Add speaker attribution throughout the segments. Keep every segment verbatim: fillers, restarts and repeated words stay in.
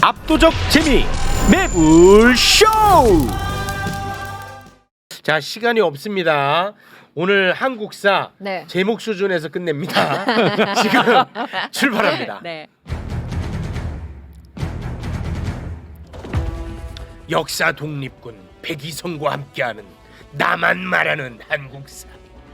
Speaker 1: 압도적 재미 매불쇼. 자, 시간이 없습니다. 오늘 한국사
Speaker 2: 네.
Speaker 1: 제목 수준에서 끝냅니다. 지금 출발합니다.
Speaker 2: 네.
Speaker 1: 역사 독립군 백이성과 함께하는 나만 말하는 한국사.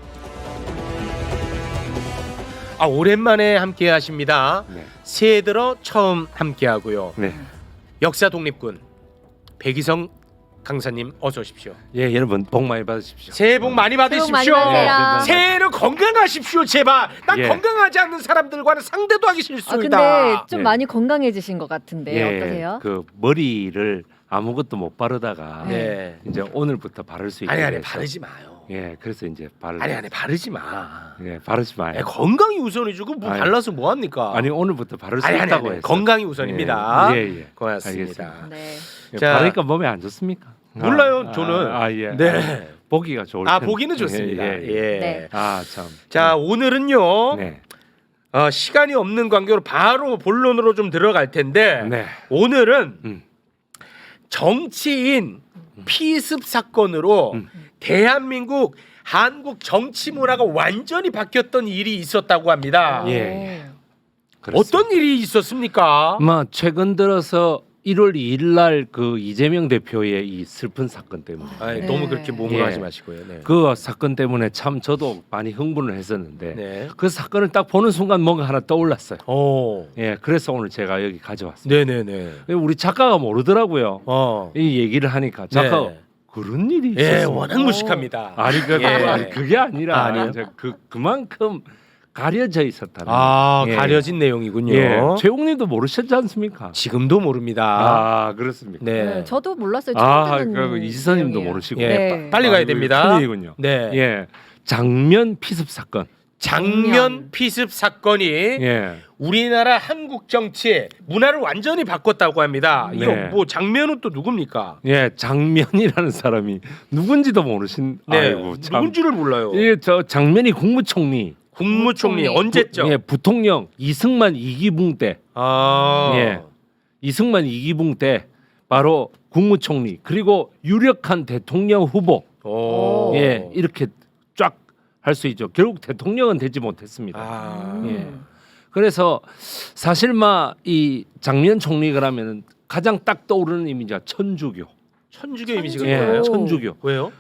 Speaker 1: 아, 오랜만에 함께 하십니다.
Speaker 3: 네.
Speaker 1: 새해 들어 처음 함께 하고요.
Speaker 3: 네.
Speaker 1: 역사 독립군 백이성 강사님 어서 오십시오.
Speaker 3: 예, 여러분 복 많이 받으십시오.
Speaker 1: 새해 복 많이 받으십시오.
Speaker 2: 새해 복 많이 받으세요.
Speaker 1: 새해는 건강하십시오, 제발. 난
Speaker 3: 예.
Speaker 1: 건강하지 않는 사람들과는 상대도 하기
Speaker 2: 아
Speaker 1: 싫습니다.
Speaker 2: 근데 좀
Speaker 3: 예.
Speaker 2: 많이 건강해지신 것 같은데
Speaker 3: 예,
Speaker 2: 어떠세요?
Speaker 3: 그 머리를 아무것도 못 바르다가
Speaker 1: 네.
Speaker 3: 이제 오늘부터 바를 수 있게
Speaker 1: 아니 아니
Speaker 3: 돼서.
Speaker 1: 바르지 마요.
Speaker 3: 예, 그래서 이제 바르.
Speaker 1: 아니 아니 바르지 마.
Speaker 3: 예, 바르지 마요.
Speaker 1: 예, 건강이 우선이죠. 그뭐
Speaker 3: 아니,
Speaker 1: 발라서 뭐 합니까?
Speaker 3: 아니 오늘부터 바를 수
Speaker 1: 아니, 아니,
Speaker 3: 있다고
Speaker 1: 아니,
Speaker 3: 해서.
Speaker 1: 건강이 우선입니다.
Speaker 3: 예, 예, 예.
Speaker 1: 고맙습니다.
Speaker 3: 알겠습니다.
Speaker 2: 네.
Speaker 3: 예,
Speaker 1: 자.
Speaker 3: 바르니까 몸에 안 좋습니까?
Speaker 1: 몰라요,
Speaker 3: 아,
Speaker 1: 저는.
Speaker 3: 아, 아, 예.
Speaker 1: 네.
Speaker 3: 아, 보기가 좋을
Speaker 1: 아,
Speaker 3: 텐데.
Speaker 1: 보기는 좋습니다.
Speaker 3: 예,
Speaker 1: 예.
Speaker 3: 예.
Speaker 2: 네.
Speaker 3: 아, 참.
Speaker 1: 자, 오늘은요.
Speaker 3: 네.
Speaker 1: 어, 시간이 없는 관계로 바로 본론으로 좀 들어갈 텐데
Speaker 3: 네.
Speaker 1: 오늘은
Speaker 3: 음.
Speaker 1: 정치인 피습 사건으로
Speaker 3: 음.
Speaker 1: 대한민국 한국 정치 문화가 완전히 바뀌었던 일이 있었다고 합니다.
Speaker 3: 예.
Speaker 2: 오.
Speaker 3: 그렇습니다.
Speaker 1: 어떤 일이 있었습니까?
Speaker 3: 뭐 최근 들어서 일월 이일 날 그 이재명 대표의 이 슬픈 사건 때문에
Speaker 1: 아이,
Speaker 2: 네.
Speaker 1: 너무 그렇게 몸을
Speaker 3: 예.
Speaker 1: 하지 마시고요. 네.
Speaker 3: 그 사건 때문에 참 저도 많이 흥분을 했었는데
Speaker 1: 네.
Speaker 3: 그 사건을 딱 보는 순간 뭔가 하나 떠올랐어요.
Speaker 1: 오.
Speaker 3: 예, 그래서 오늘 제가 여기 가져왔습니다.
Speaker 1: 네네네.
Speaker 3: 우리 작가가 모르더라고요.
Speaker 1: 어.
Speaker 3: 이 얘기를 하니까 작가가
Speaker 1: 네.
Speaker 3: 그런 일이
Speaker 1: 예,
Speaker 3: 있었어.
Speaker 1: 워낙 무식합니다.
Speaker 3: 아니, 그,
Speaker 1: 예.
Speaker 3: 아니 그게 아니라
Speaker 1: 아, 아니에요?
Speaker 3: 이제 그 그만큼 가려져 있었다는.
Speaker 1: 아,
Speaker 3: 예.
Speaker 1: 가려진 내용이군요.
Speaker 3: 예, 최웅님도 모르셨지 않습니까?
Speaker 1: 지금도 모릅니다.
Speaker 3: 아, 그렇습니까?
Speaker 1: 네.
Speaker 2: 네, 저도 몰랐어요. 처음
Speaker 3: 아,
Speaker 2: 듣는
Speaker 3: 그 이지선님도
Speaker 2: 내용이에요.
Speaker 3: 모르시고.
Speaker 1: 예,
Speaker 2: 네.
Speaker 1: 빠- 빨리
Speaker 3: 아,
Speaker 1: 가야
Speaker 3: 이거
Speaker 1: 됩니다.
Speaker 3: 큰일이군요.
Speaker 1: 네.
Speaker 3: 예, 장면 피습 사건.
Speaker 1: 장면
Speaker 2: 장면.
Speaker 1: 피습 사건이
Speaker 3: 예,
Speaker 1: 우리나라 한국 정치 문화를 완전히 바꿨다고 합니다. 이거
Speaker 3: 네.
Speaker 1: 뭐 장면은 또 누굽니까?
Speaker 3: 예, 장면이라는 사람이 누군지도 모르신.
Speaker 1: 네,
Speaker 3: 아이고 참.
Speaker 1: 누군지를 몰라요.
Speaker 3: 예, 저 장면이 국무총리.
Speaker 1: 국무총리
Speaker 2: 국무총리.
Speaker 1: 언제죠?
Speaker 3: 예, 부통령 이승만 이기붕 때.
Speaker 1: 아,
Speaker 3: 예, 이승만 이기붕 때 바로 국무총리 그리고 유력한 대통령 후보.
Speaker 1: 오.
Speaker 3: 예, 이렇게 쫙 할 수 있죠. 결국 대통령은 되지 못했습니다.
Speaker 1: 아,
Speaker 2: 음.
Speaker 3: 예. 그래서 사실 막 이 장면 총리가 라면은 가장 딱 떠오르는 이미지가 천주교.
Speaker 1: 천주교 이미지가
Speaker 3: 예,
Speaker 1: 뭐예요?
Speaker 3: 천주교.
Speaker 1: 왜요?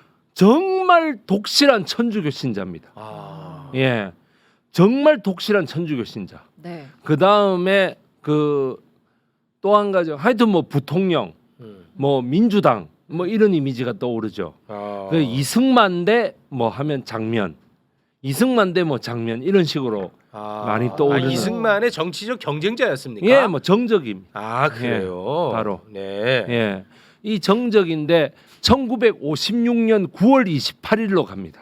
Speaker 3: 정말 독실한 천주교 신자입니다.
Speaker 1: 아,
Speaker 3: 예, 정말 독실한 천주교 신자.
Speaker 2: 네.
Speaker 3: 그 다음에 그 또 한 가지 하여튼 뭐 부통령,
Speaker 1: 음.
Speaker 3: 뭐 민주당, 뭐 이런 이미지가 떠오르죠.
Speaker 1: 아.
Speaker 3: 그 이승만 대 뭐 하면 장면, 이승만 대 뭐 장면 이런 식으로
Speaker 1: 아,
Speaker 3: 많이 떠오르는.
Speaker 1: 아, 이승만의 정치적 경쟁자였습니까?
Speaker 3: 예, 뭐 정적입니다.
Speaker 1: 아, 그래요.
Speaker 3: 예, 바로.
Speaker 1: 네.
Speaker 3: 예, 이 정적인데 천구백오십육 년 구월 이십팔일로 갑니다.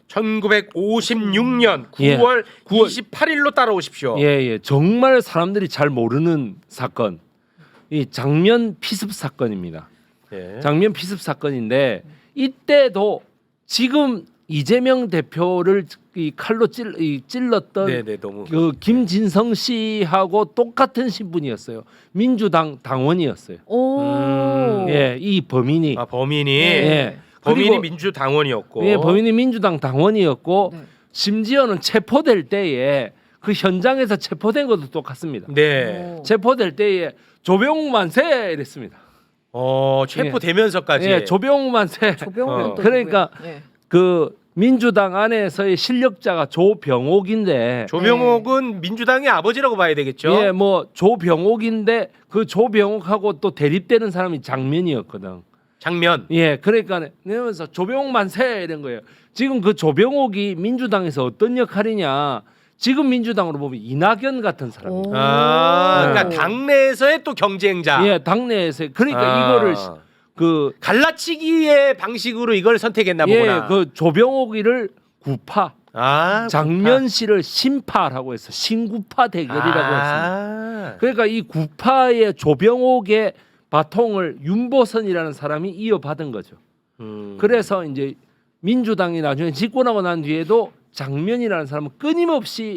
Speaker 1: 천구백오십육 년
Speaker 3: 예.
Speaker 1: 구월
Speaker 3: 구월
Speaker 1: 이십팔일로 따라오십시오.
Speaker 3: 예, 예, 정말 사람들이 잘 모르는 사건, 이 장면 피습 사건입니다.
Speaker 1: 예.
Speaker 3: 장면 피습 사건인데 이때도 지금 이재명 대표를 이 칼로 찔, 이 찔렀던
Speaker 1: 네네 너무
Speaker 3: 그 김진성 씨하고 똑같은 신분이었어요. 민주당 당원이었어요.
Speaker 2: 오.
Speaker 1: 음.
Speaker 3: 예, 이 범인이
Speaker 1: 아 범인이
Speaker 3: 예,
Speaker 1: 범인이
Speaker 3: 그리고-
Speaker 1: 민주당원이었고
Speaker 3: 예, 범인이 민주당 당원이었고
Speaker 2: 네.
Speaker 3: 심지어는 체포될 때에 그 현장에서 체포된 것도 똑같습니다.
Speaker 1: 네.
Speaker 2: 오.
Speaker 3: 체포될 때에 조병욱 만세 이랬습니다.
Speaker 1: 어 체포되면서까지
Speaker 3: 예, 조병욱 만세.
Speaker 2: 조병훈
Speaker 1: 어.
Speaker 2: 또
Speaker 3: 그러니까
Speaker 2: 누구예요? 예.
Speaker 3: 그 민주당 안에서의 실력자가 조병옥인데
Speaker 1: 조병옥은 민주당의 아버지라고 봐야 되겠죠.
Speaker 3: 예, 뭐 조병옥인데 그 조병옥하고 또 대립되는 사람이 장면이었거든.
Speaker 1: 장면.
Speaker 3: 예, 그러니까 내면서 조병옥 만세 이런 거예요. 지금 그 조병옥이 민주당에서 어떤 역할이냐? 지금 민주당으로 보면 이낙연 같은 사람이에요.
Speaker 2: 오.
Speaker 1: 아
Speaker 3: 네.
Speaker 1: 그러니까 당내에서의 또 경쟁자.
Speaker 3: 예, 당내에서 그러니까
Speaker 1: 아.
Speaker 3: 이거를 시- 그
Speaker 1: 갈라치기의 방식으로 이걸 선택했나
Speaker 3: 예,
Speaker 1: 보구나.
Speaker 3: 그 조병옥이를 구파,
Speaker 1: 아
Speaker 3: 장면 씨를 신파라고 해서 신구파 대결이라고 했습니다.
Speaker 1: 아.
Speaker 3: 그러니까 이 구파의 조병옥의 바통을 윤보선이라는 사람이 이어받은 거죠.
Speaker 1: 음.
Speaker 3: 그래서 이제 민주당이 나중에 집권하고 난 뒤에도 장면이라는 사람은 끊임없이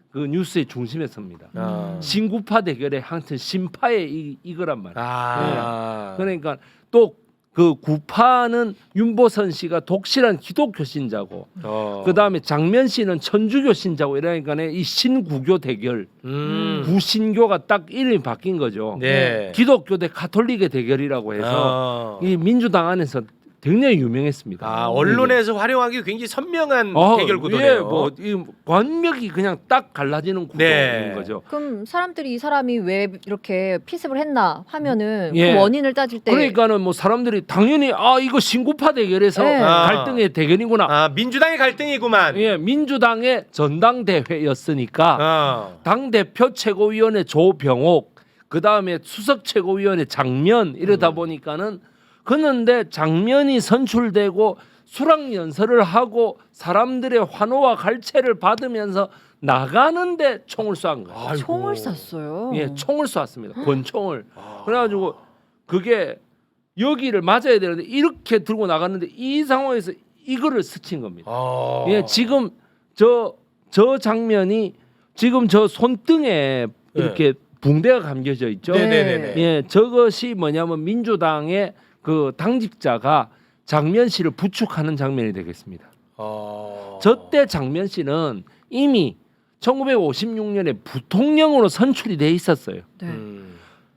Speaker 3: 그 뉴스의 중심에 섭니다.
Speaker 1: 아.
Speaker 3: 신구파 대결의 한튼 신파의 이, 이거란 말이에요.
Speaker 1: 아.
Speaker 3: 그러니까 또 그 구파는 윤보선 씨가 독실한 기독교 신자고,
Speaker 1: 어.
Speaker 3: 그 다음에 장면 씨는 천주교 신자고 이러니까 이 신구교 대결,
Speaker 1: 음.
Speaker 3: 구신교가 딱 이름이 바뀐 거죠.
Speaker 1: 네.
Speaker 3: 기독교 대 가톨릭의 대결이라고 해서
Speaker 1: 어.
Speaker 3: 이 민주당 안에서 굉장히 유명했습니다.
Speaker 1: 아, 언론에서 활용하기 굉장히 선명한
Speaker 3: 어,
Speaker 1: 대결 구도네요.
Speaker 3: 예, 뭐, 이 관력이 그냥 딱 갈라지는 구도인
Speaker 1: 네.
Speaker 3: 거죠.
Speaker 2: 그럼 사람들이 이 사람이 왜 이렇게 피습을 했나 하면은
Speaker 3: 예.
Speaker 2: 그 원인을 따질 때
Speaker 3: 그러니까는 뭐 사람들이 당연히 아 이거 신구파 대결에서
Speaker 2: 네.
Speaker 3: 갈등의 대결이구나.
Speaker 1: 아, 민주당의 갈등이구만.
Speaker 3: 예, 민주당의 전당대회였으니까
Speaker 1: 어.
Speaker 3: 당 대표 최고위원회 조병옥, 그 다음에 수석 최고위원회 장면 이러다
Speaker 1: 음.
Speaker 3: 보니까는 그런데 장면이 선출되고 수락 연설을 하고 사람들의 환호와 갈채를 받으면서 나가는데 총을 쏜 거예요.
Speaker 1: 아이고.
Speaker 2: 총을 쐈어요.
Speaker 3: 예, 총을 쐈습니다. 권총을.
Speaker 1: 아.
Speaker 3: 그래가지고 그게 여기를 맞아야 되는데 이렇게 들고 나갔는데 이 상황에서 이거를 스친 겁니다.
Speaker 1: 아.
Speaker 3: 예, 지금 저 저 장면이 지금 저 손등에 이렇게 붕대가 감겨져 있죠.
Speaker 1: 네. 네네네네.
Speaker 3: 예, 저것이 뭐냐면 민주당의 그 당직자가 장면 씨를 부축하는 장면이 되겠습니다.
Speaker 1: 어.
Speaker 3: 저때 장면 씨는 이미 천구백오십육 년에 부통령으로 선출이 돼 있었어요.
Speaker 2: 네.
Speaker 1: 음.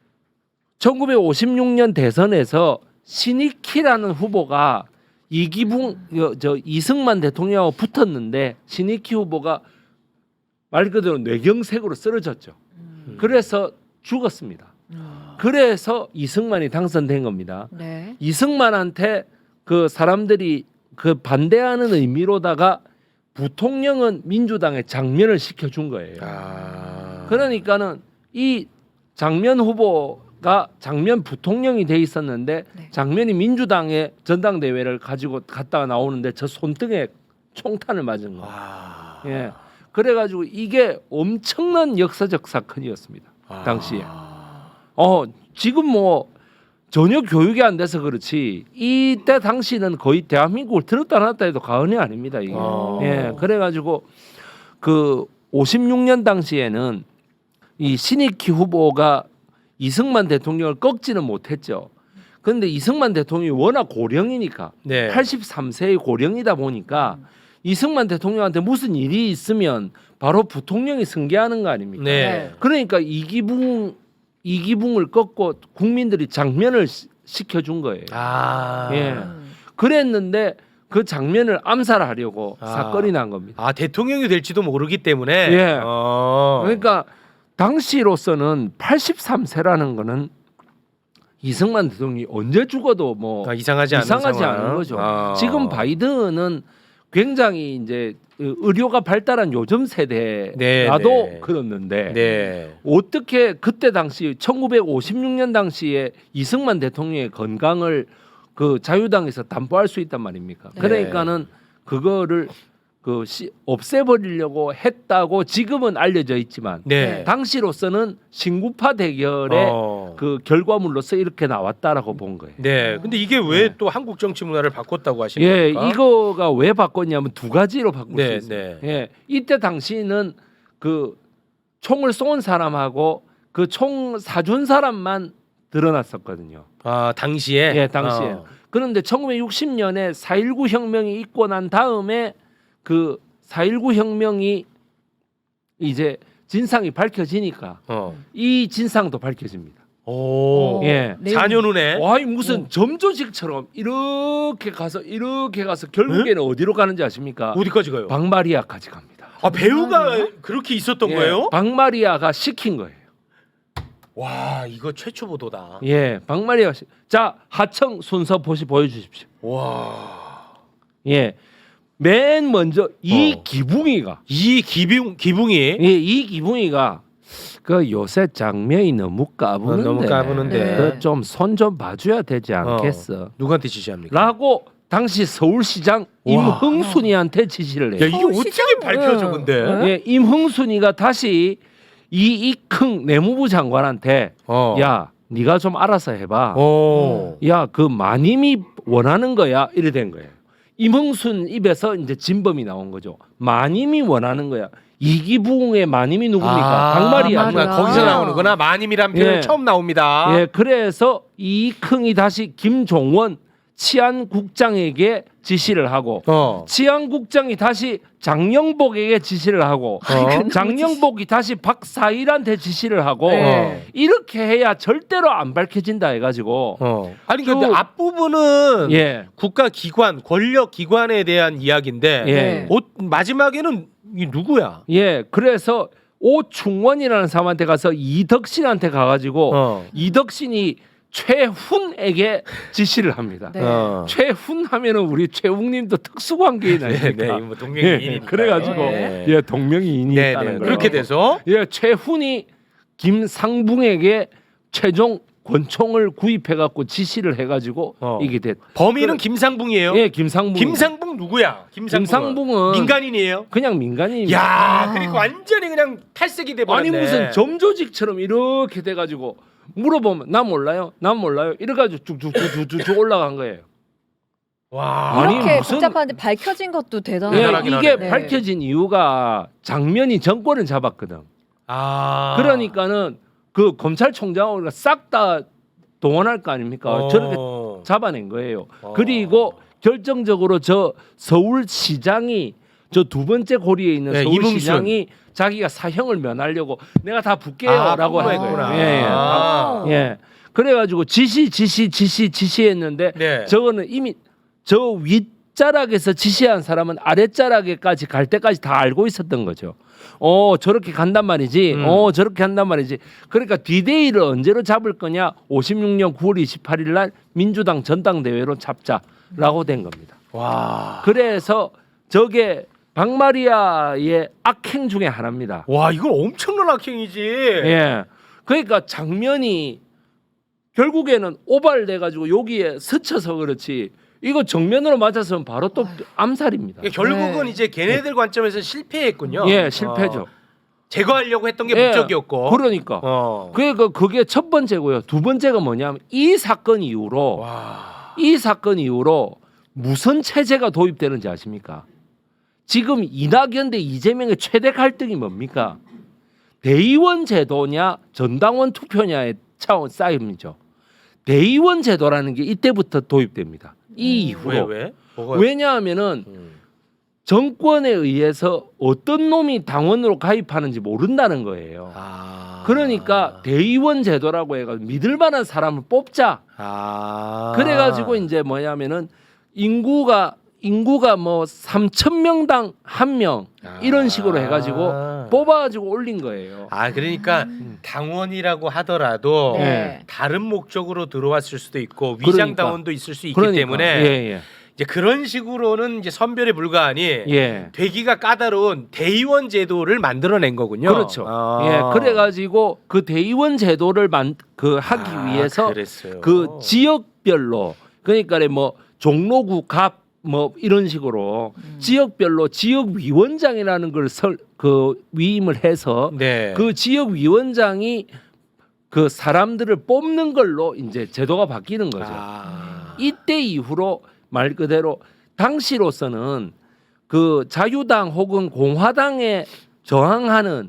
Speaker 3: 천구백오십육 년 대선에서 신익희라는 후보가 이기붕 여- 저 이승만 대통령하고 붙었는데 신익희 후보가 말 그대로 뇌경색으로 쓰러졌죠.
Speaker 2: 음.
Speaker 3: 그래서 죽었습니다.
Speaker 2: 음.
Speaker 3: 그래서 이승만이 당선된 겁니다.
Speaker 2: 네.
Speaker 3: 이승만한테 그 사람들이 그 반대하는 의미로다가 부통령은 민주당의 장면을 시켜준 거예요.
Speaker 1: 아.
Speaker 3: 그러니까는 이 장면 후보가 장면 부통령이 돼 있었는데
Speaker 2: 네.
Speaker 3: 장면이 민주당의 전당대회를 가지고 갔다가 나오는데 저 손등에 총탄을 맞은 거예요.
Speaker 1: 아.
Speaker 3: 예. 그래가지고 이게 엄청난 역사적 사건이었습니다.
Speaker 1: 아.
Speaker 3: 당시에. 어 지금 뭐 전혀 교육이 안 돼서 그렇지 이때 당시는 거의 대한민국을 들었다 놨다 해도 과언이 아닙니다. 이게.
Speaker 1: 어.
Speaker 3: 예. 그래가지고 그 오십육 년 당시에는 이 신익희 후보가 이승만 대통령을 꺾지는 못했죠. 그런데 이승만 대통령이 워낙 고령이니까
Speaker 1: 네.
Speaker 3: 팔십삼 세의 고령이다 보니까 이승만 대통령한테 무슨 일이 있으면 바로 부통령이 승계하는 거 아닙니까?
Speaker 1: 네.
Speaker 3: 그러니까 이기붕 이기붕을 꺾고 국민들이 장면을 시- 시켜준 거예요.
Speaker 1: 아.
Speaker 3: 예.
Speaker 2: 음.
Speaker 3: 그랬는데 그 장면을 암살하려고
Speaker 1: 아.
Speaker 3: 사건이 난 겁니다.
Speaker 1: 아, 대통령이 될지도 모르기 때문에.
Speaker 3: 예.
Speaker 1: 어.
Speaker 3: 그러니까 당시로서는 팔십삼 세라는 거는 이승만 대통령이 언제 죽어도 뭐
Speaker 1: 아, 이상하지 않은
Speaker 3: 이상하지
Speaker 1: 상황.
Speaker 3: 않은 거죠.
Speaker 1: 아.
Speaker 3: 지금 바이든은 굉장히 이제 의료가 발달한 요즘 세대라도
Speaker 1: 네, 네.
Speaker 3: 그렇는데
Speaker 1: 네.
Speaker 3: 어떻게 그때 당시 천구백오십육 년 당시에 이승만 대통령의 건강을 그 자유당에서 담보할 수 있단 말입니까?
Speaker 2: 네.
Speaker 3: 그러니까는 그거를 그 시, 없애버리려고 했다고 지금은 알려져 있지만
Speaker 1: 네.
Speaker 3: 당시로서는 신구파 대결의
Speaker 1: 어.
Speaker 3: 그 결과물로서 이렇게 나왔다라고 본 거예요.
Speaker 1: 네. 근데 이게 왜
Speaker 3: 네.
Speaker 1: 또 한국 정치 문화를 바꿨다고 하시는
Speaker 3: 예,
Speaker 1: 겁니까?
Speaker 3: 이거가 왜 바꿨냐면 두 가지로 바꿀
Speaker 1: 네,
Speaker 3: 수 있어요.
Speaker 1: 네.
Speaker 3: 예, 이때 당시는 그 총을 쏜 사람하고 그 총 사준 사람만 드러났었거든요.
Speaker 1: 아, 당시에.
Speaker 3: 예, 당시에.
Speaker 1: 어.
Speaker 3: 그런데 천구백육십 년에 사일구 혁명이 있고 난 다음에 그 사일구 혁명이 이제 진상이 밝혀지니까
Speaker 1: 어.
Speaker 3: 이 진상도 밝혀집니다.
Speaker 1: 오.
Speaker 3: 예.
Speaker 2: 내용-
Speaker 1: 사 년 후네.
Speaker 3: 와이 무슨 점조직처럼 이렇게 가서 이렇게 가서 결국에는 어디로 가는지 아십니까?
Speaker 1: 어디까지 가요?
Speaker 3: 박마리아까지 갑니다.
Speaker 1: 아, 배우가 그렇게 있었던
Speaker 3: 예,
Speaker 1: 거예요?
Speaker 3: 박마리아가 시킨 거예요.
Speaker 1: 와, 이거 최초 보도다.
Speaker 3: 예, 박마리아가 시... 자 하청 순서 보시 보여주십시오.
Speaker 1: 와.
Speaker 3: 예, 맨 먼저 이
Speaker 1: 어.
Speaker 3: 기붕이가
Speaker 1: 이 기붕 기붕이
Speaker 3: 예, 이 기붕이가 그 요새 장면이 너무 까부는데,
Speaker 1: 어, 너무 까부는데.
Speaker 2: 네.
Speaker 3: 그좀 손 좀 봐줘야 되지
Speaker 1: 어.
Speaker 3: 않겠어?
Speaker 1: 누구한테 지시합니까?
Speaker 3: 라고 당시 서울시장
Speaker 1: 와.
Speaker 3: 임흥순이한테 지시를
Speaker 1: 야,
Speaker 3: 해요.
Speaker 1: 이게
Speaker 2: 어,
Speaker 1: 어떻게
Speaker 2: 시장-
Speaker 1: 밝혀져
Speaker 2: 네.
Speaker 1: 근데?
Speaker 2: 네.
Speaker 3: 예, 임흥순이가 다시 이 이흥 내무부 장관한테
Speaker 1: 어.
Speaker 3: 야, 네가 좀 알아서 해봐.
Speaker 1: 어.
Speaker 3: 야, 그 마님이 원하는 거야. 이래 된 거예요. 임흥순 입에서 이제 진범이 나온 거죠. 마님이 원하는 거야. 이기붕의 마님이 누굽니까?
Speaker 1: 아,
Speaker 3: 당마리아.
Speaker 2: 당마리아.
Speaker 1: 거기서 나오는구나. 마님이란 표현
Speaker 3: 예.
Speaker 1: 처음 나옵니다.
Speaker 3: 예, 그래서 이흥이 다시 김종원 치안국장에게 지시를 하고
Speaker 1: 어.
Speaker 3: 치안국장이 다시 장영복에게 지시를 하고
Speaker 1: 어.
Speaker 3: 장영복이 다시 박사일한테 지시를 하고
Speaker 2: 네.
Speaker 3: 이렇게 해야 절대로 안 밝혀진다 해가지고
Speaker 1: 어. 아니 근데
Speaker 3: 쭉-
Speaker 1: 앞부분은
Speaker 3: 예,
Speaker 1: 국가 기관, 권력 기관에 대한 이야기인데
Speaker 3: 예,
Speaker 2: 네.
Speaker 1: 어, 마지막에는 이 누구야?
Speaker 3: 예. 그래서 오충원이라는 사람한테 가서 이덕신한테 가가지고
Speaker 1: 어.
Speaker 3: 이덕신이 최훈에게 지시를 합니다.
Speaker 2: 네.
Speaker 1: 어.
Speaker 3: 최훈 하면은 우리 최웅님도 특수관계인
Speaker 1: 네,
Speaker 3: 아닙니까?
Speaker 1: 네, 뭐 동명이인이니까.
Speaker 3: 예, 그래가지고
Speaker 2: 네.
Speaker 3: 예 동명이인이
Speaker 1: 네,
Speaker 3: 있다는
Speaker 1: 네.
Speaker 3: 거예요.
Speaker 1: 그렇게 돼서
Speaker 3: 예 최훈이 김상붕에게 최종 권총을 구입해갖고 지시를 해가지고
Speaker 1: 어.
Speaker 3: 이게 됐.
Speaker 1: 범인은 김상붕이에요.
Speaker 3: 예 김상붕.
Speaker 1: 김상붕 누구야? 김상붕은,
Speaker 3: 김상붕은
Speaker 1: 민간인이에요.
Speaker 3: 그냥 민간인입니다.
Speaker 1: 야, 그러니까 완전히 그냥 탈색이 돼 버렸네.
Speaker 3: 아니 무슨 점조직처럼 이렇게 돼가지고 물어보면 나 몰라요, 나 몰라요. 이래가지고 쭉쭉쭉쭉쭉 올라간 거예요.
Speaker 1: 와.
Speaker 3: 아니,
Speaker 2: 이렇게
Speaker 3: 무슨-
Speaker 2: 복잡한데 밝혀진 것도
Speaker 3: 예,
Speaker 2: 대단하다.
Speaker 1: 대단하긴
Speaker 3: 이게
Speaker 1: 하네.
Speaker 3: 밝혀진 이유가 장면이 정권을 잡았거든.
Speaker 1: 아.
Speaker 3: 그러니까는 그 검찰총장을 싹 다 동원할 거 아닙니까?
Speaker 1: 어.
Speaker 3: 저렇게 잡아낸 거예요.
Speaker 1: 어.
Speaker 3: 그리고 결정적으로 저 서울시장이 저 두 번째 고리에 있는
Speaker 1: 네,
Speaker 3: 서울시장이 자기가 사형을 면하려고 내가 다 붙게요라고
Speaker 1: 아,
Speaker 3: 한
Speaker 1: 했구나.
Speaker 3: 거예요. 예, 예.
Speaker 1: 아.
Speaker 3: 예. 그래가지고 지시 지시 지시 지시했는데
Speaker 1: 네.
Speaker 3: 저거는 이미 저 윗자락에서 지시한 사람은 아랫자락에까지 갈 때까지 다 알고 있었던 거죠. 어 저렇게 간단 말이지.
Speaker 1: 음.
Speaker 3: 어 저렇게 한단 말이지. 그러니까 디데이를 언제로 잡을 거냐? 오십육 년 구월 이십팔일 날 민주당 전당대회로 잡자라고 된 겁니다.
Speaker 1: 와.
Speaker 3: 그래서 저게 박마리아의 악행 중에 하나입니다.
Speaker 1: 와, 이건 엄청난 악행이지.
Speaker 3: 예. 그러니까 장면이 결국에는 오발돼 가지고 여기에 스쳐서 그렇지. 이거 정면으로 맞았으면 바로 또 암살입니다.
Speaker 1: 그러니까 결국은
Speaker 2: 네.
Speaker 1: 이제 걔네들 관점에서 실패했군요.
Speaker 3: 예, 실패죠.
Speaker 1: 어, 제거하려고 했던 게
Speaker 3: 예,
Speaker 1: 목적이었고.
Speaker 3: 그러니까.
Speaker 1: 어.
Speaker 3: 그러니까 그게 첫 번째고요. 두 번째가 뭐냐면 이 사건 이후로
Speaker 1: 와.
Speaker 3: 이 사건 이후로 무슨 체제가 도입되는지 아십니까? 지금 이낙연 대 이재명의 최대 갈등이 뭡니까? 대의원 제도냐 전당원 투표냐의 차원 싸움이죠. 대의원 제도라는 게 이때부터 도입됩니다. 이 이후로.
Speaker 1: 왜 왜? 뭐가?
Speaker 3: 왜냐하면은
Speaker 1: 음.
Speaker 3: 정권에 의해서 어떤 놈이 당원으로 가입하는지 모른다는 거예요.
Speaker 1: 아.
Speaker 3: 그러니까 대의원 제도라고 해가지고 믿을 만한 사람을 뽑자.
Speaker 1: 아.
Speaker 3: 그래가지고 이제 뭐냐면은 인구가 인구가 뭐 삼천 명당 한 명 이런 식으로 해가지고
Speaker 1: 아.
Speaker 3: 뽑아가지고 올린 거예요.
Speaker 1: 아, 그러니까
Speaker 3: 음.
Speaker 1: 당원이라고 하더라도
Speaker 2: 네.
Speaker 1: 다른 목적으로 들어왔을 수도 있고 위장
Speaker 3: 그러니까.
Speaker 1: 당원도 있을 수 있기
Speaker 3: 그러니까.
Speaker 1: 때문에
Speaker 3: 예,
Speaker 1: 이제 그런 식으로는 이제 선별에 불과하니
Speaker 3: 예. 예.
Speaker 1: 되기가 까다로운 대의원 제도를 만들어낸 거군요.
Speaker 3: 그렇죠.
Speaker 1: 아.
Speaker 3: 예, 그래가지고 그 대의원 제도를 만 그 하기
Speaker 1: 아,
Speaker 3: 위해서
Speaker 1: 그랬어요.
Speaker 3: 그 지역별로 그러니까 뭐 종로구 갑 뭐 이런 식으로
Speaker 2: 음.
Speaker 3: 지역별로 지역 위원장이라는 걸 그 위임을 해서
Speaker 1: 네.
Speaker 3: 그 지역 위원장이 그 사람들을 뽑는 걸로 이제 제도가 바뀌는 거죠.
Speaker 1: 아.
Speaker 3: 이때 이후로 말 그대로 당시로서는 그 자유당 혹은 공화당에 저항하는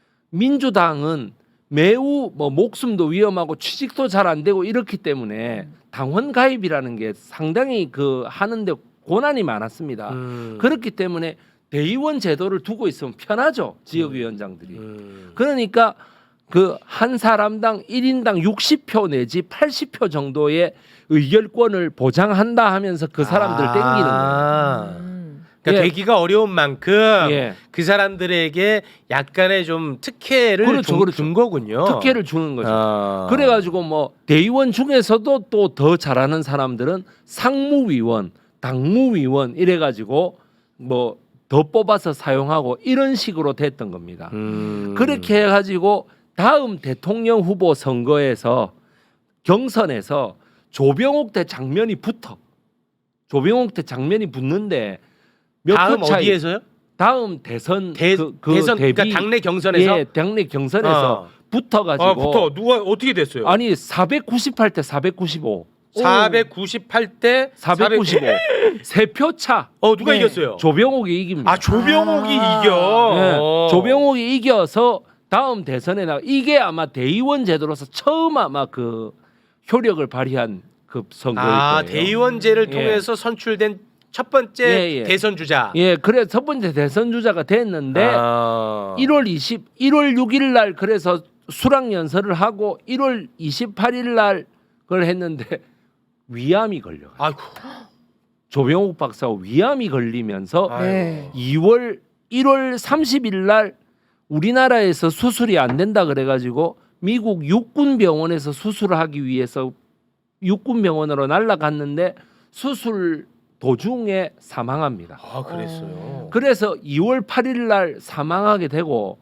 Speaker 3: 민주당은 매우 뭐 목숨도 위험하고 취직도 잘 안 되고 이렇기 때문에 당원 가입이라는 게 상당히 그 하는데 고난이 많았습니다.
Speaker 1: 음.
Speaker 3: 그렇기 때문에 대의원 제도를 두고 있으면 편하죠. 지역위원장들이.
Speaker 1: 음.
Speaker 3: 그러니까 그 한 사람당 일 인당 육십 표 내지 팔십 표 정도의 의결권을 보장한다 하면서 그 사람들
Speaker 1: 아.
Speaker 3: 땡기는 거예요.
Speaker 2: 음.
Speaker 1: 그러니까
Speaker 3: 예.
Speaker 1: 되기가 어려운 만큼
Speaker 3: 예.
Speaker 1: 그 사람들에게 약간의 좀 특혜를
Speaker 3: 그렇죠,
Speaker 1: 준,
Speaker 3: 그렇죠.
Speaker 1: 준 거군요.
Speaker 3: 특혜를 주는 거죠.
Speaker 1: 아.
Speaker 3: 그래가지고 뭐 대의원 중에서도 또 더 잘하는 사람들은 상무위원, 당무위원 이래가지고 뭐 더 뽑아서 사용하고 이런 식으로 됐던 겁니다.
Speaker 1: 음.
Speaker 3: 그렇게 해가지고 다음 대통령 후보 선거에서 경선에서 조병옥 대 장면이 붙어. 조병옥 대 장면이 붙는데 몇
Speaker 1: 다음
Speaker 3: 표 차이.
Speaker 1: 어디에서요?
Speaker 3: 다음 대선
Speaker 1: 대,
Speaker 3: 그, 그
Speaker 1: 대선
Speaker 3: 대비
Speaker 1: 그러니까 당내 경선에서
Speaker 3: 예, 당내 경선에서
Speaker 1: 어.
Speaker 3: 붙어가지고
Speaker 1: 아, 부터 누가 어떻게 됐어요?
Speaker 3: 아니 사백구십팔 대 사백구십오
Speaker 1: 사백구십팔 대
Speaker 3: 사백구십오. 세 표 차.
Speaker 1: 어 누가
Speaker 2: 네.
Speaker 1: 이겼어요?
Speaker 3: 조병옥이 이깁니다.
Speaker 1: 아 조병옥이
Speaker 2: 아.
Speaker 1: 이겨.
Speaker 3: 네,
Speaker 1: 어.
Speaker 3: 조병옥이 이겨서 다음 대선에 나 이게 아마 대의원 제도로서 처음 아마 그 효력을 발휘한 그 선거일
Speaker 1: 아
Speaker 3: 거예요.
Speaker 1: 대의원제를
Speaker 3: 예.
Speaker 1: 통해서 선출된 첫 번째
Speaker 3: 예, 예.
Speaker 1: 대선 주자.
Speaker 3: 예, 그래 첫 번째 대선 주자가 됐는데
Speaker 1: 아.
Speaker 3: 일월 이십, 일월 육일 날 그래서 수락 연설을 하고 일월 이십팔일 날 그걸 했는데 위암이 걸려.
Speaker 1: 아이고.
Speaker 3: 조병옥 박사가 위암이 걸리면서
Speaker 1: 아이고.
Speaker 2: 네.
Speaker 3: 이월 일월 삼십일 날 우리나라에서 수술이 안 된다 그래가지고 미국 육군 병원에서 수술을 하기 위해서 육군 병원으로 날아갔는데 수술 도중에 사망합니다.
Speaker 1: 아 그랬어요.
Speaker 2: 어.
Speaker 3: 그래서 이월 팔일 날 사망하게 되고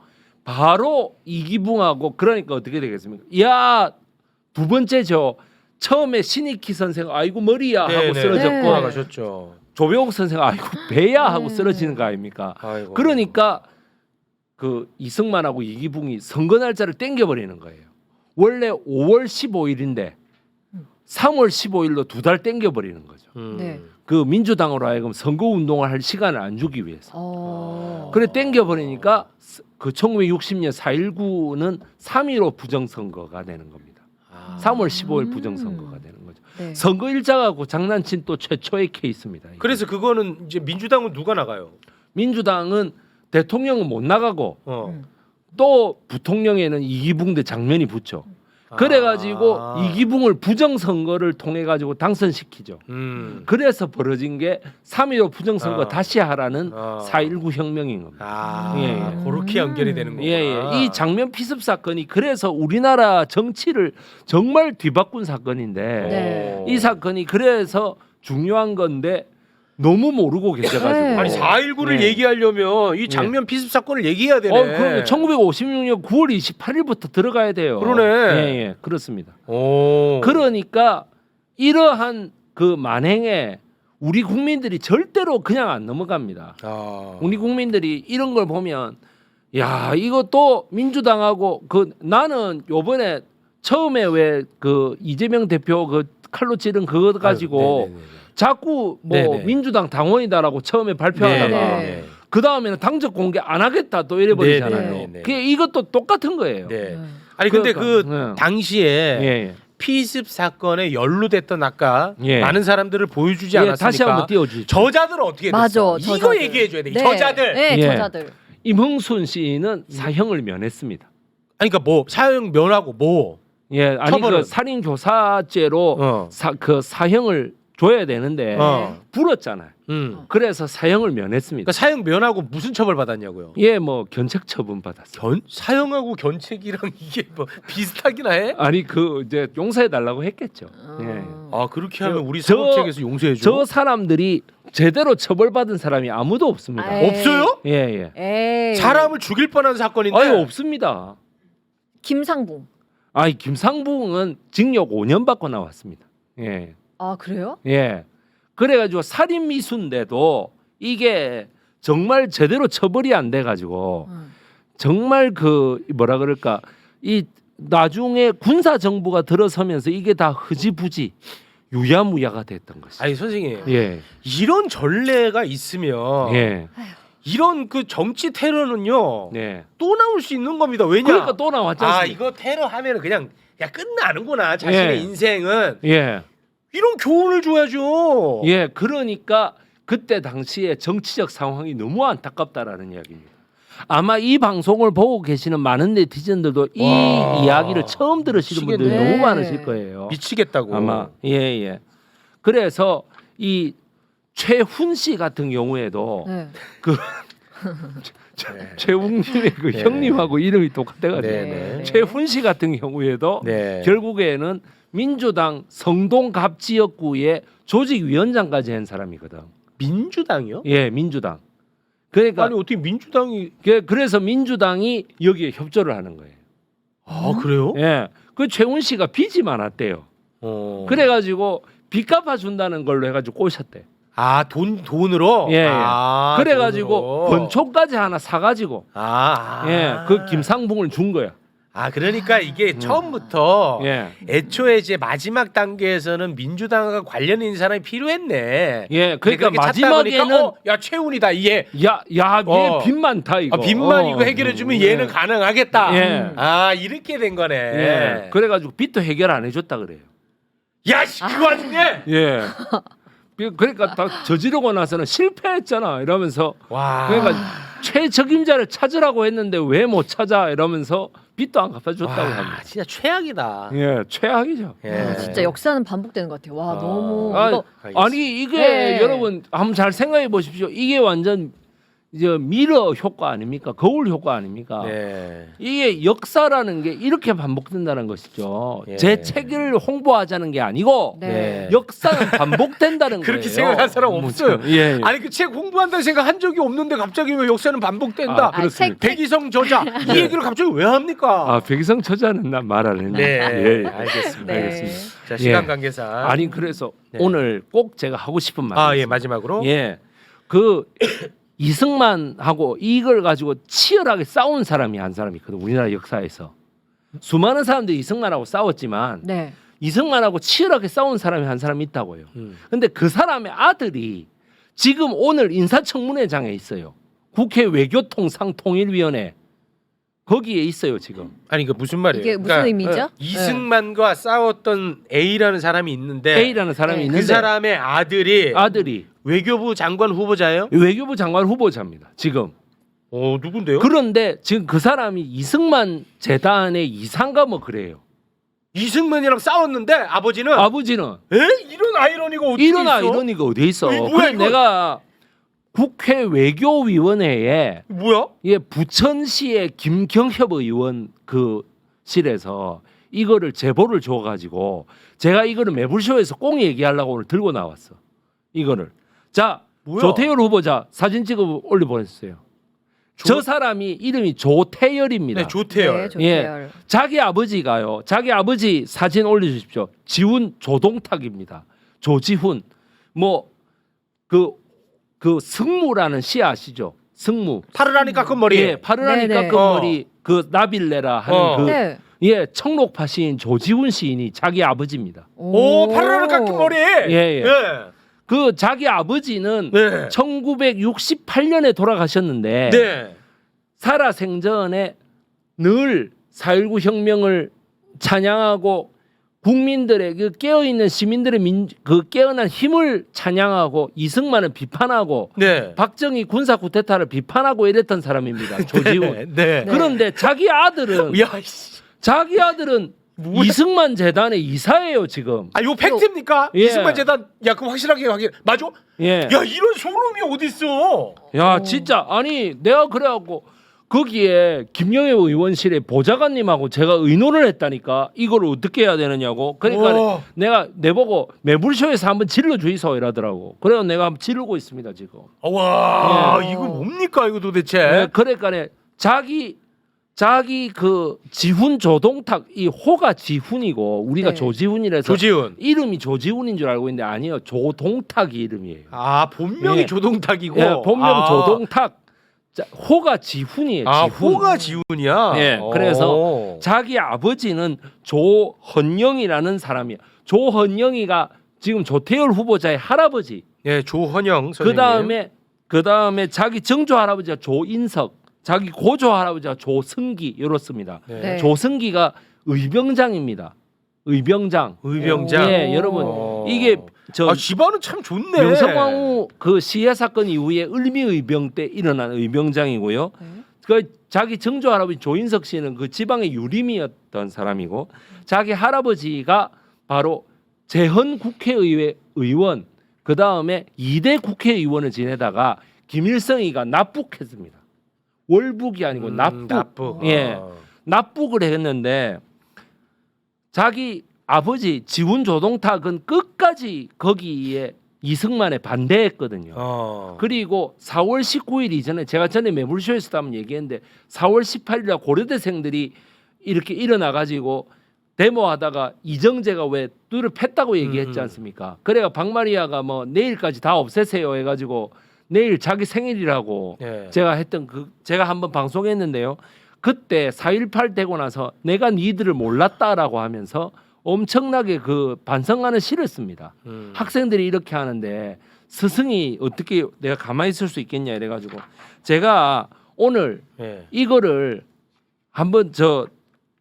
Speaker 3: 바로 이기붕하고 그러니까 어떻게 되겠습니까? 야, 두 번째죠. 처음에 신익희 선생 아이고 머리야 하고
Speaker 1: 네네.
Speaker 3: 쓰러졌고
Speaker 2: 네.
Speaker 1: 돌아가셨죠.
Speaker 3: 조병옥 선생 아이고 배야 하고
Speaker 2: 네.
Speaker 3: 쓰러지는 거 아닙니까?
Speaker 1: 아이고.
Speaker 3: 그러니까 그 이승만하고 이기붕이 선거 날짜를 땡겨버리는 거예요. 원래 오월 십오일인데 삼월 십오일로 두 달 땡겨버리는 거죠.
Speaker 1: 음.
Speaker 2: 네.
Speaker 3: 그 민주당으로 하여금 선거 운동을 할 시간을 안 주기 위해서.
Speaker 2: 어.
Speaker 3: 그래 땡겨버리니까 그 천구백육십 년 사일구는 삼일오 부정선거가 되는 겁니다.
Speaker 1: 아.
Speaker 3: 삼월 십오일
Speaker 2: 음.
Speaker 3: 부정선거가 되는 거죠.
Speaker 2: 네.
Speaker 3: 선거 일자하고 장난친 또 최초의 케이스입니다. 이게.
Speaker 1: 그래서 그거는 이제 민주당은 누가 나가요?
Speaker 3: 민주당은 대통령은 못 나가고
Speaker 1: 어.
Speaker 2: 음.
Speaker 3: 또 부통령에는 이기붕 대 장면이 붙죠. 그래가지고
Speaker 1: 아.
Speaker 3: 이기붕을 부정선거를 통해 가지고 당선시키죠.
Speaker 1: 음.
Speaker 3: 그래서 벌어진 게 삼일오 부정선거
Speaker 1: 아.
Speaker 3: 다시 하라는
Speaker 1: 아.
Speaker 3: 사일구 혁명인 겁니다.
Speaker 1: 아,
Speaker 3: 예, 예.
Speaker 1: 그렇게 연결이 되는 거구나.
Speaker 3: 예, 예. 이 장면 피습 사건이 그래서 우리나라 정치를 정말 뒤바꾼 사건인데
Speaker 2: 네.
Speaker 3: 이 사건이 그래서 중요한 건데 너무 모르고 계셔가지고
Speaker 2: 네.
Speaker 1: 아니 사일구를
Speaker 3: 예.
Speaker 1: 얘기하려면 이 장면 피습 사건을 얘기해야 되네.
Speaker 3: 어, 그럼 천구백오십육 년 구월 이십팔일부터 들어가야 돼요.
Speaker 1: 그러네.
Speaker 3: 예, 예, 그렇습니다.
Speaker 1: 오.
Speaker 3: 그러니까 이러한 그 만행에 우리 국민들이 절대로 그냥 안 넘어갑니다.
Speaker 1: 아.
Speaker 3: 우리 국민들이 이런 걸 보면 야 이것도 민주당하고 그 나는 요번에 처음에 왜 그 이재명 대표 그 칼로 찌른 그거 가지고
Speaker 1: 아유, 네네네.
Speaker 3: 자꾸 뭐
Speaker 1: 네네.
Speaker 3: 민주당 당원이다라고 처음에 발표하다가
Speaker 1: 네네네.
Speaker 3: 그 다음에는 당적 공개 안 하겠다 또 이래 버리잖아요.
Speaker 1: 네네네.
Speaker 3: 그게 이것도 똑같은 거예요.
Speaker 1: 네.
Speaker 2: 네.
Speaker 1: 아니 근데 그
Speaker 3: 그러니까, 네.
Speaker 1: 당시에
Speaker 3: 예, 예.
Speaker 1: 피습 사건에 연루됐던 아까
Speaker 3: 예.
Speaker 1: 많은 사람들을 보여주지
Speaker 3: 예,
Speaker 1: 않았습니까?
Speaker 3: 다시 한번 띄워주죠.
Speaker 1: 저자들은 어떻게 됐어?
Speaker 2: 맞아.
Speaker 1: 이거
Speaker 2: 저자들.
Speaker 1: 얘기해 줘야 돼.
Speaker 2: 네.
Speaker 1: 저자들.
Speaker 2: 네,
Speaker 3: 예.
Speaker 2: 저자들.
Speaker 3: 임흥순 씨는 사형을 면했습니다.
Speaker 1: 아니 그러니까 뭐 사형 면하고 뭐.
Speaker 3: 예, 아니
Speaker 1: 처벌은?
Speaker 3: 그 살인 교사죄로
Speaker 1: 어.
Speaker 3: 사, 그 사형을 줘야 되는데
Speaker 1: 어.
Speaker 3: 불었잖아요.
Speaker 1: 음.
Speaker 3: 그래서 사형을 면했습니다.
Speaker 1: 그러니까 사형 면하고 무슨 처벌 받았냐고요?
Speaker 3: 예, 뭐 견책 처분 받았어요.
Speaker 1: 견 사형하고 견책이랑 이게 뭐 비슷하기나 해?
Speaker 3: 아니 그 이제 용서해 달라고 했겠죠.
Speaker 2: 어.
Speaker 3: 예.
Speaker 1: 아 그렇게 하면 우리
Speaker 3: 저-
Speaker 1: 사법체계에서 용서해 줘?
Speaker 3: 저 사람들이 제대로 처벌받은 사람이 아무도 없습니다.
Speaker 2: 아이.
Speaker 1: 없어요?
Speaker 3: 예, 예.
Speaker 2: 에이.
Speaker 1: 사람을 죽일 뻔한 사건인데.
Speaker 3: 아유 없습니다.
Speaker 2: 김상붕.
Speaker 3: 아이 김상붕은 징역 오 년 받고 나왔습니다. 예.
Speaker 2: 아 그래요?
Speaker 3: 예. 그래가지고 살인 미수인데도 이게 정말 제대로 처벌이 안 돼가지고
Speaker 2: 음. 정말
Speaker 3: 정말 그 뭐라 그럴까 이 나중에 군사 정부가 들어서면서 이게 다 흐지부지 유야무야가 됐던 것이.
Speaker 1: 아니 선생님
Speaker 3: 예.
Speaker 1: 이런 전례가 있으면
Speaker 3: 예.
Speaker 1: 이런 그 정치 테러는요
Speaker 3: 예.
Speaker 1: 또 나올 수 있는 겁니다. 왜냐?
Speaker 3: 그러니까 또 나왔지
Speaker 1: 아
Speaker 3: 않습니까?
Speaker 1: 이거 테러 하면은 그냥 야 끝나는구나 자신의
Speaker 3: 예.
Speaker 1: 인생은
Speaker 3: 예.
Speaker 1: 이런 교훈을 줘야죠.
Speaker 3: 예. 그러니까 그때 당시에 정치적 상황이 너무 안타깝다라는 이야기입니다. 아마 이 방송을 보고 계시는 많은 네티즌들도 이
Speaker 1: 와.
Speaker 3: 이야기를 처음 들으시는 분들이
Speaker 1: 미치겠네.
Speaker 3: 너무 많으실 거예요.
Speaker 1: 미치겠다고.
Speaker 3: 아마 예예. 그래서 이 최훈 씨 같은 경우에도
Speaker 2: 네.
Speaker 3: 그
Speaker 1: 네.
Speaker 3: 최웅님의 그
Speaker 1: 네.
Speaker 3: 형님하고 이름이 똑같아가지고
Speaker 1: 네,
Speaker 2: 네.
Speaker 3: 최훈 씨 같은 경우에도
Speaker 1: 네.
Speaker 3: 결국에는 민주당 성동갑 지역구의 조직위원장까지 한 사람이거든.
Speaker 1: 민주당이요?
Speaker 3: 예, 민주당. 그러니까
Speaker 1: 아니 어떻게 민주당이
Speaker 3: 그- 그래서 민주당이 여기에 협조를 하는 거예요.
Speaker 1: 아 그래요?
Speaker 3: 예, 그 최훈 씨가 빚이 많았대요.
Speaker 1: 어.
Speaker 3: 그래가지고 빚 갚아 준다는 걸로 해가지고 꼬셨대.
Speaker 1: 아돈 돈으로.
Speaker 3: 예, 예.
Speaker 1: 아,
Speaker 3: 그래가지고
Speaker 1: 돈으로.
Speaker 3: 번초까지 하나 사가지고
Speaker 1: 아, 아.
Speaker 3: 예, 그 김상붕을 준 거야.
Speaker 1: 아 그러니까 이게 처음부터
Speaker 3: 예.
Speaker 1: 애초에 이제 마지막 단계에서는 민주당과 관련 있는 사람이 필요했네.
Speaker 3: 예, 그러니까
Speaker 1: 그렇게 찾다 보니까,
Speaker 3: 마지막에는
Speaker 1: 어, 야 최훈이다 얘.
Speaker 3: 야, 야, 얘
Speaker 1: 어.
Speaker 3: 빚 많다 이거.
Speaker 1: 아, 빚만
Speaker 3: 어.
Speaker 1: 이거 해결해주면
Speaker 3: 예.
Speaker 1: 얘는 가능하겠다.
Speaker 3: 예.
Speaker 1: 아 이렇게 된 거네.
Speaker 3: 예. 그래가지고 빚도 해결 안 해줬다 그래요.
Speaker 1: 야씨 그 와중에.
Speaker 3: 예. 그러니까 다 저지르고 나서는 실패했잖아 이러면서
Speaker 1: 와.
Speaker 3: 그러니까 최적임자를 찾으라고 했는데 왜 못 찾아 이러면서 빚도 안 갚아줬다고
Speaker 1: 와,
Speaker 3: 합니다.
Speaker 1: 진짜 최악이다.
Speaker 3: 예, 최악이죠.
Speaker 1: 예.
Speaker 2: 아, 진짜 역사는 반복되는 것 같아요. 와
Speaker 1: 아.
Speaker 2: 너무
Speaker 3: 아,
Speaker 2: 이거
Speaker 3: 아니 이게
Speaker 2: 네.
Speaker 3: 여러분 한번 잘 생각해 보십시오. 이게 완전 이제 미러 효과 아닙니까? 거울 효과 아닙니까?
Speaker 1: 네.
Speaker 3: 이게 역사라는 게 이렇게 반복된다는 것이죠.
Speaker 1: 예.
Speaker 3: 제 책을 홍보하자는 게 아니고
Speaker 2: 네.
Speaker 3: 역사는 반복된다는
Speaker 1: 그렇게
Speaker 3: 거예요.
Speaker 1: 생각한 사람
Speaker 3: 뭐
Speaker 1: 없어요.
Speaker 3: 참, 예, 예.
Speaker 1: 아니 그 책 홍보한다는 생각 한 적이 없는데 갑자기 왜 역사는 반복된다.
Speaker 3: 아, 그렇습니다.
Speaker 2: 책-
Speaker 1: 백이성 저자 이 얘기를 갑자기 왜 합니까?
Speaker 3: 아 백이성 처자는 난 말 안 했네.
Speaker 1: 네,
Speaker 3: 예, 예.
Speaker 1: 알겠습니다.
Speaker 2: 네.
Speaker 3: 알겠습니다.
Speaker 1: 자 시간
Speaker 3: 예.
Speaker 1: 관계상
Speaker 3: 아니 그래서
Speaker 1: 네.
Speaker 3: 오늘 꼭 제가 하고 싶은 말이
Speaker 1: 아 예
Speaker 3: 있습니다.
Speaker 1: 마지막으로
Speaker 3: 예, 그 이승만하고 이걸 가지고 치열하게 싸운 사람이 한 사람이 있거든. 우리나라 역사에서 수많은 사람들이 이승만하고 싸웠지만
Speaker 2: 네.
Speaker 3: 이승만하고 치열하게 싸운 사람이 한 사람이 있다고요.
Speaker 1: 음.
Speaker 3: 근데 그 사람의 아들이 지금 오늘 인사청문회장에 있어요. 국회 외교통상통일위원회 거기에 있어요 지금.
Speaker 1: 아니 그 무슨 말이에요?
Speaker 2: 이게 무슨 의미죠?
Speaker 1: 어, 이승만과 싸웠던 A라는 사람이 있는데
Speaker 3: A라는 사람이
Speaker 2: 네.
Speaker 3: 있는데
Speaker 1: 그 사람의 아들이
Speaker 3: 아들이
Speaker 1: 외교부 장관 후보자예요?
Speaker 3: 외교부 장관 후보자입니다. 지금.
Speaker 1: 어 누군데요?
Speaker 3: 그런데 지금 그 사람이 이승만 재단의 이사인가 뭐 그래요.
Speaker 1: 이승만이랑 싸웠는데 아버지는
Speaker 3: 아버지는
Speaker 1: 에 이런 아이러니가 어디
Speaker 3: 이런
Speaker 1: 있어?
Speaker 3: 아이러니가 어디 있어?
Speaker 1: 이게 뭐야,
Speaker 3: 그래
Speaker 1: 이거?
Speaker 3: 내가 국회 외교위원회에
Speaker 1: 뭐야?
Speaker 3: 예 부천시의 김경협 의원 그 실에서 이거를 제보를 줘가지고 제가 이거를 매불쇼에서 꼭 얘기하려고 오늘 들고 나왔어. 이거를 자
Speaker 1: 뭐야?
Speaker 3: 조태열 후보자 사진 찍어 올려 보냈어요.
Speaker 1: 조-
Speaker 3: 저 사람이 이름이 조태열입니다.
Speaker 1: 네 조태열.
Speaker 2: 네, 조태열.
Speaker 3: 자기 아버지가요. 자기 아버지 사진 올려주십시오. 지훈 조동탁입니다. 조지훈 뭐 그 그 승무라는 시 아시죠? 승무.
Speaker 1: 파르라니 깎은 머리.
Speaker 3: 예, 파르라니
Speaker 2: 네네.
Speaker 3: 깎은
Speaker 1: 어.
Speaker 3: 머리 그 나빌레라 하는
Speaker 1: 어.
Speaker 3: 그
Speaker 2: 네.
Speaker 3: 예, 청록파 시인 조지훈 시인이 자기 아버지입니다.
Speaker 1: 오 파르라니 깎은 머리.
Speaker 3: 예, 예.
Speaker 1: 예.
Speaker 3: 그 자기 아버지는
Speaker 1: 네.
Speaker 3: 천구백육십팔 년에 돌아가셨는데
Speaker 1: 네.
Speaker 3: 살아 생전에 늘 사일구 혁명을 찬양하고 국민들의 그 깨어 있는 시민들의 민, 그 깨어난 힘을 찬양하고 이승만을 비판하고
Speaker 1: 네.
Speaker 3: 박정희 군사 쿠데타를 비판하고 이랬던 사람입니다. 조지훈.
Speaker 1: 네. 네.
Speaker 3: 그런데 자기 아들은
Speaker 1: 야 씨.
Speaker 3: 자기 아들은
Speaker 1: 뭐야?
Speaker 3: 이승만 재단의 이사예요 지금.
Speaker 1: 아 이거 팩트입니까?
Speaker 3: 예.
Speaker 1: 이승만 재단 야 그럼 확실하게 확인. 맞아?
Speaker 3: 예.
Speaker 1: 야 이런 소름이 어디 있어?
Speaker 3: 야 진짜 아니 내가 그래갖고 거기에 김영애 의원실에 보좌관님하고 제가 의논을 했다니까 이걸 어떻게 해야 되느냐고. 그러니까
Speaker 1: 오.
Speaker 3: 내가 내보고 매불쇼에서 한번 질러 주이소 이러더라고. 그래서 내가 한번 지르고 있습니다 지금.
Speaker 1: 와
Speaker 3: 예.
Speaker 1: 이거 뭡니까 이거 도대체?
Speaker 3: 네, 그러니까 자기 자기 그 지훈 조동탁 이 호가 지훈이고 우리가
Speaker 2: 네.
Speaker 3: 조지훈이라서
Speaker 1: 조지훈.
Speaker 3: 이름이 조지훈인 줄 알고 있는데 아니에요. 조동탁이 이름이에요.
Speaker 1: 아 본명이
Speaker 3: 예.
Speaker 1: 조동탁이고.
Speaker 3: 예, 본명
Speaker 1: 아.
Speaker 3: 조동탁. 자, 호가 지훈이에요.
Speaker 1: 아
Speaker 3: 지훈.
Speaker 1: 호가 지훈이야.
Speaker 3: 예,
Speaker 1: 오.
Speaker 3: 그래서 자기 아버지는 조헌영이라는 사람이에요. 조헌영이가 지금 조태열 후보자의 할아버지.
Speaker 1: 예 조헌영 선생님.
Speaker 3: 그 다음에 그 다음에 자기 정조 할아버지가 조인석, 자기 고조 할아버지가 조승기 이렇습니다.
Speaker 1: 네.
Speaker 2: 네.
Speaker 3: 조승기가 의병장입니다. 의병장.
Speaker 1: 의병장.
Speaker 3: 예, 여러분
Speaker 1: 오.
Speaker 3: 이게 저
Speaker 1: 아 집안은 참 좋네.
Speaker 3: 명성황후 그 시해 사건 이후에 을미의병 때 일어난 의병장이고요.
Speaker 2: 네.
Speaker 3: 그 자기 정조 할아버지 조인석 씨는 그 지방의 유림이었던 사람이고 자기 할아버지가 바로 재헌 국회의회 의원 그 다음에 이 대 국회의원을 지내다가 김일성이가 납북했습니다. 월북이 아니고
Speaker 1: 음,
Speaker 3: 납북.
Speaker 1: 납북.
Speaker 3: 예,
Speaker 1: 아.
Speaker 3: 납북을 했는데 자기 아버지 지훈 조동탁은 끝까지 거기에 이승만에 반대했거든요.
Speaker 1: 어.
Speaker 3: 그리고 사월 십구일 이전에 제가 전에 매불쇼에서도 한번 얘기했는데 사월 십팔일에 고려대생들이 이렇게 일어나 가지고 데모하다가 이정재가 왜 뚜를 팼다고 얘기했지
Speaker 1: 음.
Speaker 3: 않습니까? 그래가 박마리아가 뭐 내일까지 다 없애세요 해가지고 내일 자기 생일이라고
Speaker 1: 예.
Speaker 3: 제가 했던 그 제가 한번 방송했는데요. 그때 사일팔 되고 나서 내가 니들을 몰랐다라고 하면서 엄청나게 그 반성하는 시를 씁니다.
Speaker 1: 음.
Speaker 3: 학생들이 이렇게 하는데 스승이 어떻게 내가 가만히 있을 수 있겠냐 이래가지고 제가 오늘
Speaker 1: 예.
Speaker 3: 이거를 한번 저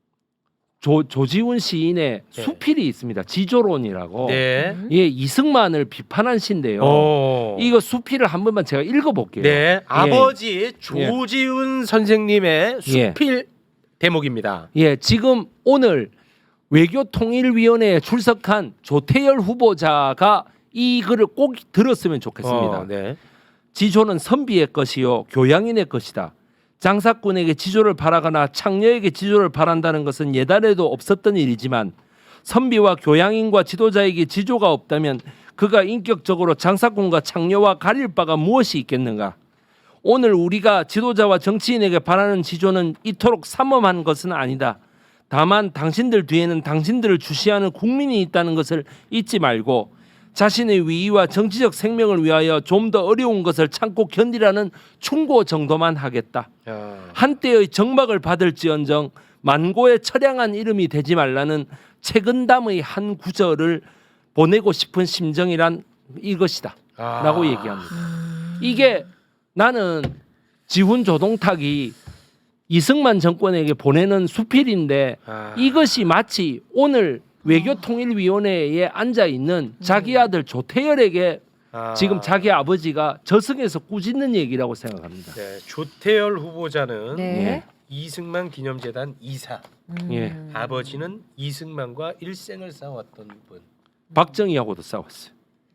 Speaker 3: 조, 조지훈 시인의
Speaker 1: 네.
Speaker 3: 수필이 있습니다. 지조론이라고.
Speaker 1: 네.
Speaker 3: 예, 이승만을 비판한 시인데요.
Speaker 1: 오.
Speaker 3: 이거 수필을 한 번만 제가 읽어볼게요.
Speaker 1: 네. 아버지 조지훈 선생님의
Speaker 3: 예.
Speaker 1: 수필 대목입니다.
Speaker 3: 예, 지금 오늘 외교통일위원회에 출석한 조태열 후보자가 이 글을 꼭 들었으면 좋겠습니다.
Speaker 1: 어, 네.
Speaker 3: 지조는 선비의 것이요 교양인의 것이다. 장사꾼에게 지조를 바라거나 창녀에게 지조를 바란다는 것은 예단에도 없었던 일이지만 선비와 교양인과 지도자에게 지조가 없다면 그가 인격적으로 장사꾼과 창녀와 가릴 바가 무엇이 있겠는가? 오늘 우리가 지도자와 정치인에게 바라는 지조는 이토록 삼엄한 것은 아니다. 다만 당신들 뒤에는 당신들을 주시하는 국민이 있다는 것을 잊지 말고 자신의 위위와 정치적 생명을 위하여 좀 더 어려운 것을 참고 견디라는 충고 정도만 하겠다.
Speaker 1: 야.
Speaker 3: 한때의 정막을 받을지언정 만고의 처량한 이름이 되지 말라는 책은담의 한 구절을 보내고 싶은 심정이란 이것이다.
Speaker 1: 아.
Speaker 3: 라고 얘기합니다. 이게 나는 지훈 조동탁이 이승만 정권에게 보내는 수필인데
Speaker 1: 아.
Speaker 3: 이것이 마치 오늘 외교통일위원회에 앉아 있는 자기 아들 조태열에게
Speaker 1: 아.
Speaker 3: 지금 자기 아버지가 저승에서 꾸짖는 얘기라고 생각합니다.
Speaker 1: 네. 조태열 후보자는
Speaker 2: 네.
Speaker 1: 이승만 기념재단 이사,
Speaker 2: 음.
Speaker 3: 예.
Speaker 1: 아버지는 이승만과 일생을 싸웠던 분.
Speaker 3: 박정희하고도 싸웠어요.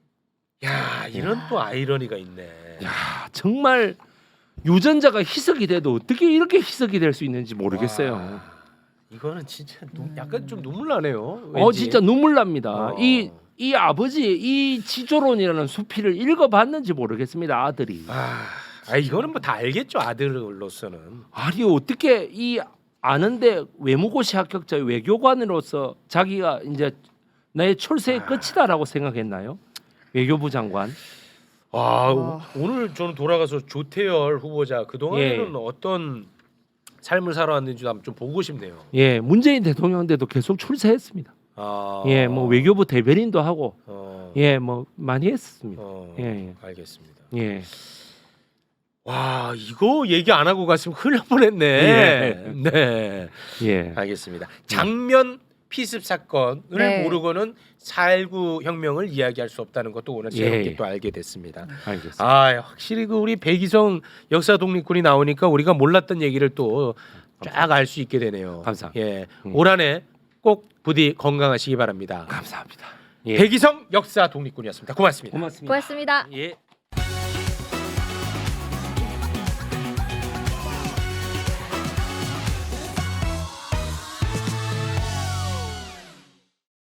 Speaker 1: 야, 이런 또 아이러니가 있네.
Speaker 3: 야, 정말 유전자가 희석이 돼도 어떻게 이렇게 희석이 될 수 있는지 모르겠어요.
Speaker 1: 와, 이거는 진짜 눈, 약간 좀 눈물 나네요.
Speaker 3: 어
Speaker 1: 왠지.
Speaker 3: 진짜 눈물 납니다.
Speaker 1: 어.
Speaker 3: 이 이 아버지 이 지조론이라는 수필을 읽어봤는지 모르겠습니다. 아들이.
Speaker 1: 아, 아 이거는 뭐 다 알겠죠 아들로서는.
Speaker 3: 아니 어떻게 이 아는데 외무고시 합격자 외교관으로서 자기가 이제 나의 출세의
Speaker 1: 아.
Speaker 3: 끝이다라고 생각했나요? 외교부 장관.
Speaker 1: 아
Speaker 2: 와.
Speaker 1: 오늘 저는 돌아가서 조태열 후보자 그 동안에는
Speaker 3: 예.
Speaker 1: 어떤 삶을 살아왔는지 한번 좀 보고 싶네요.
Speaker 3: 예, 문재인 대통령 때도 계속 출세했습니다.
Speaker 1: 아,
Speaker 3: 예, 뭐 외교부 대변인도 하고
Speaker 1: 어,
Speaker 3: 예, 뭐 많이 했습니다.
Speaker 1: 어,
Speaker 3: 예, 예.
Speaker 1: 알겠습니다.
Speaker 3: 예.
Speaker 1: 와 이거 얘기 안 하고 갔으면 큰일 날 뻔했네.
Speaker 3: 예.
Speaker 1: 네,
Speaker 3: 예.
Speaker 1: 알겠습니다. 장면 피습 사건을
Speaker 2: 네.
Speaker 1: 모르고는 사일구 혁명을 이야기할 수 없다는 것도 오늘 새롭게
Speaker 3: 예.
Speaker 1: 또 알게 됐습니다.
Speaker 3: 알겠습니다.
Speaker 1: 아 확실히 그 우리 백이성 역사 독립군이 나오니까 우리가 몰랐던 얘기를 또 쫙 알 수 있게 되네요.
Speaker 3: 감사합니다.
Speaker 1: 예,
Speaker 3: 음.
Speaker 1: 올 한해 꼭 부디 건강하시기 바랍니다.
Speaker 3: 감사합니다. 예.
Speaker 1: 백이성 역사 독립군이었습니다. 고맙습니다.
Speaker 3: 고맙습니다.
Speaker 2: 고맙습니다.
Speaker 3: 예.